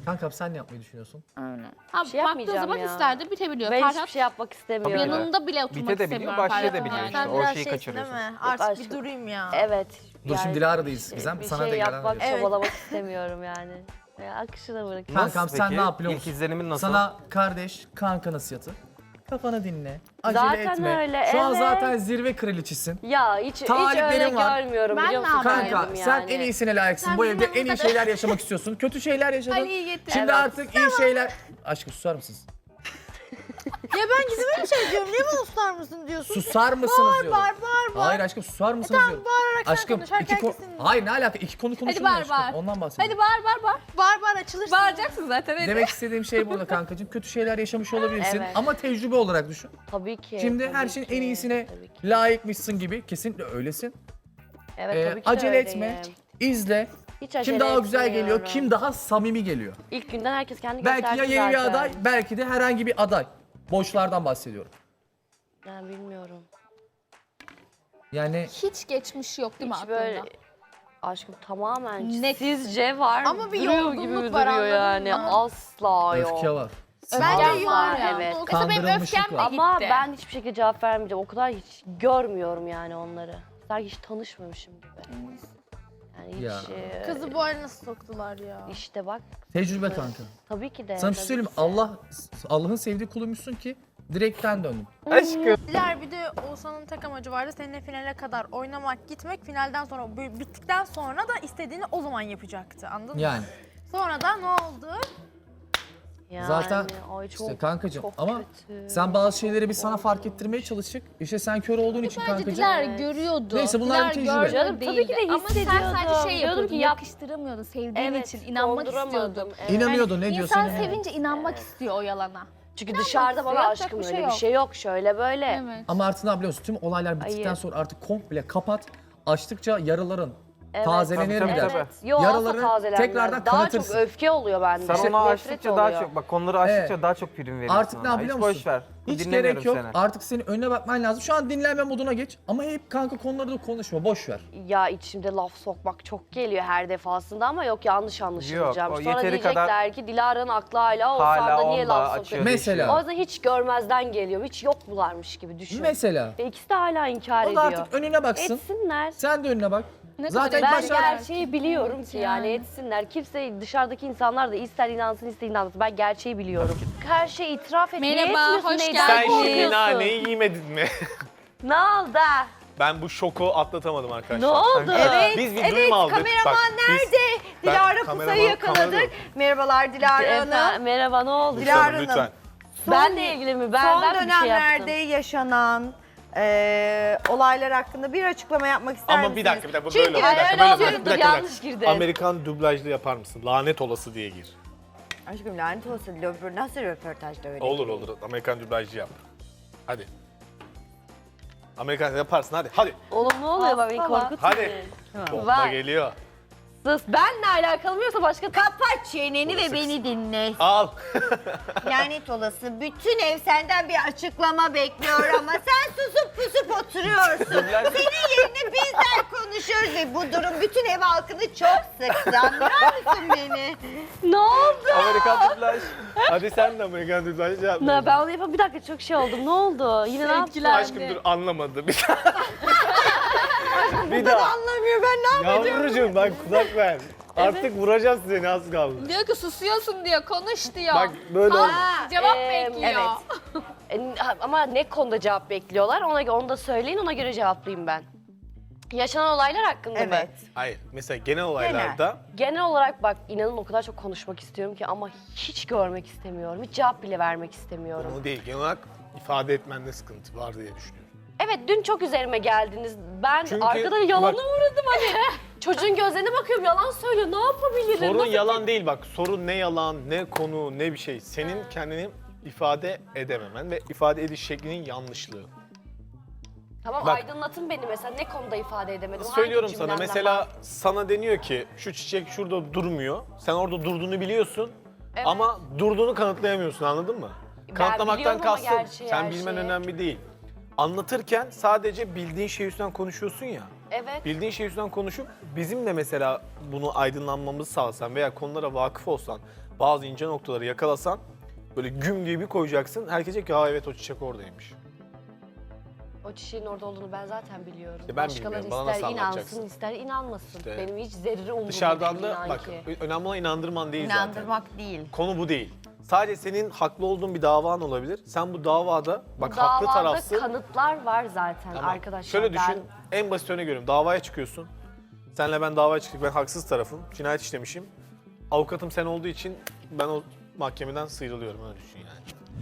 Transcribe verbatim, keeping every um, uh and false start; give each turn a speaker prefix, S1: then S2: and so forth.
S1: Kankam sen ne yapmayı düşünüyorsun?
S2: Aynen.
S3: Ha,
S4: şey
S3: baktığı
S4: yapmayacağım
S3: zaman
S4: ya.
S3: hisler de bitebiliyor.
S4: Ben
S3: Ferhat
S4: hiçbir şey yapmak istemiyorum.
S3: yanında bile oturmak
S5: Bite de biliyor,
S3: istemiyorum.
S5: başla da
S3: Ferhat'ın
S5: biliyor
S3: yani.
S5: işte.
S2: Sen
S5: O
S2: biraz
S5: şeyi
S2: şeysin
S5: kaçırıyorsun.
S2: değil mi? Artık
S4: Aşkım.
S2: bir durayım ya.
S4: Evet.
S1: Dur şimdi Dilara'dayız Gizem.
S4: Bir
S1: Sana
S4: şey
S1: da gelen
S4: yapmak,
S2: Evet.
S4: çabalamak istemiyorum yani. Ya, akışına bırak.
S1: Kankam sen
S5: peki?
S1: ne yap biliyor
S5: İlk
S1: musun?
S5: izlenimin nasıl?
S1: Sana kardeş kanka nasihatı. Kafanı dinle. Acele
S4: Zaten
S1: etme.
S4: öyle,
S1: Şu an
S4: evet.
S1: zaten zirve kraliçisin.
S4: Ya hiç, hiç
S1: Taliplerin
S4: öyle
S1: var.
S4: görmüyorum
S3: Ben
S4: biliyor
S3: ne
S4: musun?
S3: yapayım?
S1: Kanka
S4: Kendim
S1: sen
S4: yani.
S1: en iyisine layıksın.
S3: Sen
S1: Bu
S3: bizim
S1: evde en iyi
S3: yanımızda-
S1: şeyler yaşamak istiyorsun. Kötü şeyler yaşadın.
S3: Ali'yi getir.
S1: Şimdi
S4: Evet.
S1: artık iyi şeyler... Aşkım susar mısınız?
S2: Ya ben Gizem'e bir şey diyorum. Niye bana susar mısın diyorsun?
S1: Susar mısınız
S2: Bağır
S1: diyorum.
S2: bağır bağır bağır.
S1: Hayır aşkım susar mısınız diyorum.
S2: Bağırarak sen
S1: Aşkım
S2: konuş. Herkes
S1: iki konu...
S2: kesin.
S1: Hayır ne alaka? İki konu konuşulmuyor
S3: bağır,
S1: aşkım.
S3: bağır.
S1: Ondan bahsediyorum.
S3: Hadi bağır bağır bağır.
S2: Bağır bağır açılırsın.
S3: Bağıracaksın zaten hadi.
S1: Demek istediğim şey burada kankacığım. Kötü şeyler yaşamış olabilirsin
S4: Evet.
S1: ama tecrübe olarak düşün.
S4: Tabii ki.
S1: Şimdi
S4: tabii
S1: her şeyin
S4: ki,
S1: en iyisine
S4: tabii ki.
S1: layıkmışsın gibi. Kesinlikle öylesin.
S4: Evet,
S1: Ee,
S4: tabii ki de
S1: acele
S4: öyleyim.
S1: etme. İzle.
S4: Hiç acele
S1: Kim daha güzel geliyor,
S4: etmiyorum.
S1: kim daha samimi geliyor.
S4: İlk günden herkes kendi
S1: Belki ya
S4: gösterdi
S1: yeni bir
S4: zaten.
S1: aday, belki de herhangi bir aday. Boşlardan bahsediyorum.
S4: Yani bilmiyorum.
S1: Yani
S3: Hiç geçmiş yok değil mi
S4: Hiç
S3: aklında?
S4: böyle aşkım tamamen
S3: Net.
S4: sizce var.
S2: Ama bir
S4: duruyor
S2: yorgunluk
S4: gibi
S2: var,
S4: duruyor
S2: anladın
S4: yani.
S2: mı?
S4: Asla yok.
S1: öfke var.
S2: Bence
S4: Asla,
S2: yok
S3: var ya.
S4: evet.
S3: Mesela benim
S1: Kandırılmışlık
S3: öfkem de
S1: var.
S3: gitti.
S4: Ama ben hiçbir şekilde cevap vermeyeceğim. O kadar hiç görmüyorum yani onları. Sanki hiç tanışmamışım gibi. Yani hiç
S1: Ya.
S4: e,
S2: Kızı bu hale nasıl soktular ya?
S4: işte bak
S1: Tecrübe kanka.
S4: tabii ki de.
S1: Sana bir şey
S4: tabii
S1: söyleyeyim mi?
S4: ki de.
S1: Allah, Allah'ın sevdiği kuluymuşsun ki direkten döndün.
S5: Aşkım.
S2: Diler bir de Oğuzhan'ın tek amacı vardı. Seninle finale kadar oynamak, gitmek. Finalden sonra, bu- bittikten sonra da istediğini o zaman yapacaktı. Anladın mı?
S1: Yani
S2: Sonra da ne oldu?
S4: Yani,
S1: zaten
S4: ay çok,
S1: işte kankacığım
S4: çok
S1: ama
S4: kötü.
S1: sen bazı şeyleri biz sana fark ettirmeye çalıştık. İşte sen kör olduğun için
S3: Bence
S1: kankacığım.
S3: Dilar
S4: Evet.
S3: görüyordu.
S1: Neyse, bunlar
S3: Dilar
S1: bir tecrübe.
S3: gördü
S4: Canım, tabii ki de
S3: değildi. Ama sen
S4: hissediyordum.
S3: sadece şey
S4: Diyordum
S3: yapıyordun,
S4: ki yap-
S3: yakıştıramıyordun sevdiğin
S4: Evet,
S3: için, inanmak
S4: konduramadım.
S3: istiyordun.
S4: Evet.
S1: İnanıyordun ne diyorsun?
S3: İnsan
S1: yani?
S3: sevince inanmak istiyor o yalana.
S4: Çünkü dışarıda bana
S3: yapacak
S4: aşkım
S3: bir
S4: öyle
S3: şey
S4: bir
S3: yok.
S4: şey yok. Şöyle böyle.
S3: Evet.
S1: Ama artık ne yapıyorsun? Tüm olaylar bittikten
S4: Hayır.
S1: sonra artık komple kapat. Açtıkça yaraların
S4: Evet.
S1: tazelenir
S5: Tabii,
S1: mi
S5: tabii,
S1: der.
S5: tabii.
S4: Yo,
S1: Yaraları
S4: asla tazelenmez.
S1: tekrardan
S4: Daha
S1: kanatırsın.
S4: çok öfke oluyor bende.
S5: Sen onu
S4: Nefret
S5: açtıkça daha
S4: oluyor.
S5: çok, bak konuları açtıkça
S1: Evet.
S5: daha çok prim veriyorsun.
S1: Artık ne
S5: ona.
S1: biliyor
S5: Hiç
S1: musun?
S5: boş ver.
S1: Hiç
S5: Dinlemiyorum
S1: gerek yok.
S5: seni.
S1: Artık senin önüne bakman lazım. Şu an dinlenme moduna geç. Ama hep kanka konuları da konuşma. Boş ver.
S4: Ya içimde laf sokmak çok geliyor her defasında ama yok yanlış anlaşılacağım.
S5: Yok, o
S4: Sonra
S5: yeteri
S4: diyecekler
S5: kadar-
S4: ki Dilara'nın aklı hala
S5: Hala
S4: Oğuzhan'da niye
S5: onda
S4: laf
S5: açıyor,
S4: sokuyor?
S1: Mesela.
S4: O yüzden hiç görmezden geliyorum. Hiç yokmularmış gibi düşün.
S1: Mesela.
S4: Ve ikisi de hala inkar
S1: O da
S4: ediyor.
S1: artık önüne baksın.
S4: Etsinler.
S1: Sen de önüne bak.
S3: Ne
S1: Zaten
S3: kadar
S4: Ben
S1: başar.
S4: gerçeği biliyorum ki yani
S3: Yani.
S4: etsinler. Kimse dışarıdaki insanlar da ister inansın ister inanmasın. Ben gerçeği biliyorum. Her şeyi itiraf etmeye
S3: Merhaba,
S4: yetmiyorsun.
S3: hoş
S4: Neyden
S3: geldin.
S6: Sen şimdi
S4: korkuyorsun?
S6: naneyi yemedin mi?
S4: Ne oldu?
S6: Ben bu şoku atlatamadım arkadaşlar.
S4: Ne oldu?
S6: Evet, biz bir duyum aldık.
S7: kameraman
S6: Bak, biz-
S7: nerede?
S6: Ben-
S7: Dilara
S6: kameraman-
S7: Pusa'yı yakaladık.
S6: kameraman.
S7: Merhabalar Dilara
S4: Efendim,
S7: Hanım.
S4: merhaba ne oldu?
S7: Dilara
S6: Lütfen,
S7: Hanım.
S6: lütfen.
S4: Benle ilgili mi? Ben,
S7: Son
S4: ben bir şey
S7: dönemlerde
S4: yaptım.
S7: yaşanan e, olaylar hakkında bir açıklama yapmak ister
S6: Ama
S7: misiniz?
S6: bir dakika, bir dakika.
S7: Çünkü
S6: Böyle oldu. Bir dakika,
S4: öyle
S6: böyle
S4: olmuyor,
S6: oldu. Bir
S4: dur,
S6: dakika, bir
S4: yanlış
S6: dakika.
S4: girdin.
S6: Amerikan dublajlı yapar mısın? Lanet olası diye gir.
S7: Aşkım lanet olsun. Röpor- Nasıl röportajda öyle?
S6: Olur olur. Amerikan dublajlı yap. Hadi. Amerikan yaparsın hadi. Hadi.
S4: Oğlum ne oluyor bak beni
S7: Hastala.
S4: korkutmayın.
S6: Hadi. Bomba
S4: Var.
S6: geliyor.
S4: Sus benle alakalı mı yoksa başka...
S7: Kapat çeneni ve beni dinle.
S6: Al.
S7: Lanet olası. Bütün ev senden bir açıklama bekliyor ama sen susup pusup oturuyorsun. Senin yerine bizler konuşuyoruz ve bu durum bütün ev halkını çok sıktı. Anlıyor musun beni?
S4: Ne oldu?
S6: Amerikan dublaj. Hadi sen de Amerikan dublajlı yap.
S4: Ne, ben onu yapayım. Bir dakika çok şey oldum. Ne oldu? Yine ne yaptın?
S3: Sevgiler.
S6: Aşkım dur anlamadı. Bir daha. Bir daha.
S7: Anlamıyor ben ne yapayım?
S6: Yavrucuğum bak kulak ver. Artık vuracağız seni az kaldı.
S3: Diyor ki susuyorsun diyor, konuş diyor.
S6: Bak böyle oldu.
S3: Cevap
S4: Ee,
S3: bekliyor.
S4: E, ama ne konuda cevap bekliyorlar? Ona göre onu da söyleyin. Ona göre cevaplayayım ben. Yaşanan olaylar hakkında mı?
S7: Evet.
S6: Hayır mesela genel olaylarda
S4: Genel olarak bak inanın o kadar çok konuşmak istiyorum ki ama hiç görmek istemiyorum. Hiç cevap bile vermek istemiyorum.
S6: onu değil genel olarak ifade etmende sıkıntı var diye düşünüyorum.
S4: Evet dün çok üzerime geldiniz. Ben
S6: Çünkü
S4: arkada yalana
S6: bak-
S4: uğradım hani. Çocuğun gözlerine bakıyorum yalan söylüyor. Ne yapabilirim?
S6: Sorun
S4: Nasıl-
S6: yalan değil bak. Sorun ne yalan, ne konu, ne bir şey. Senin kendini ifade edememen ve ifade ediş şeklinin yanlışlığı.
S4: Tamam
S6: Bak-
S4: aydınlatın beni mesela ne konuda ifade edemedim? Hangi
S6: Söylüyorum sana
S4: cümlemden
S6: mesela
S4: bahsedeyim?
S6: sana deniyor ki şu çiçek şurada durmuyor. Sen orada durduğunu biliyorsun
S4: Evet.
S6: ama durduğunu kanıtlayamıyorsun anladın mı?
S4: Ben
S6: Kanıtlamaktan
S4: biliyorum ama
S6: kastım
S4: gerçeği,
S6: sen
S4: her
S6: bilmen
S4: şeyi.
S6: önemli değil. Anlatırken sadece bildiğin şey üstünden konuşuyorsun ya.
S4: Evet.
S6: Bildiğin şey üstünden konuşup bizim de mesela bunu aydınlanmamızı sağlasan veya konulara vakıf olsan bazı ince noktaları yakalasan böyle güm diye bir koyacaksın. Herkes diyecek ki ha evet o çiçek oradaymış.
S4: O çiçeğin orada olduğunu ben zaten biliyorum.
S6: Ya ben
S4: Başkaları
S6: bilmiyorum, bana
S4: ister
S6: nasıl anlatacaksın?
S4: inansın ister inanmasın.
S6: İşte
S4: Benim hiç zerre umurumda
S6: Dışarıdan
S4: değil
S6: da
S4: inan
S6: bak
S4: ki.
S6: önemli olan inandırman değil zaten.
S7: İnandırmak değil.
S6: Konu bu değil. Sadece senin haklı olduğun bir davan olabilir. Sen bu davada bak
S4: Bu
S6: haklı
S4: davada
S6: tarafsın.
S4: kanıtlar var zaten
S6: Tamam.
S4: arkadaşlar.
S6: Şöyle düşün,
S4: Ben-
S6: en basit örneği görüyorum. Davaya çıkıyorsun. Senle ben davaya çıktık, ben haksız tarafım. Cinayet işlemişim. Avukatım sen olduğu için ben o mahkemeden sıyrılıyorum, öyle düşün yani.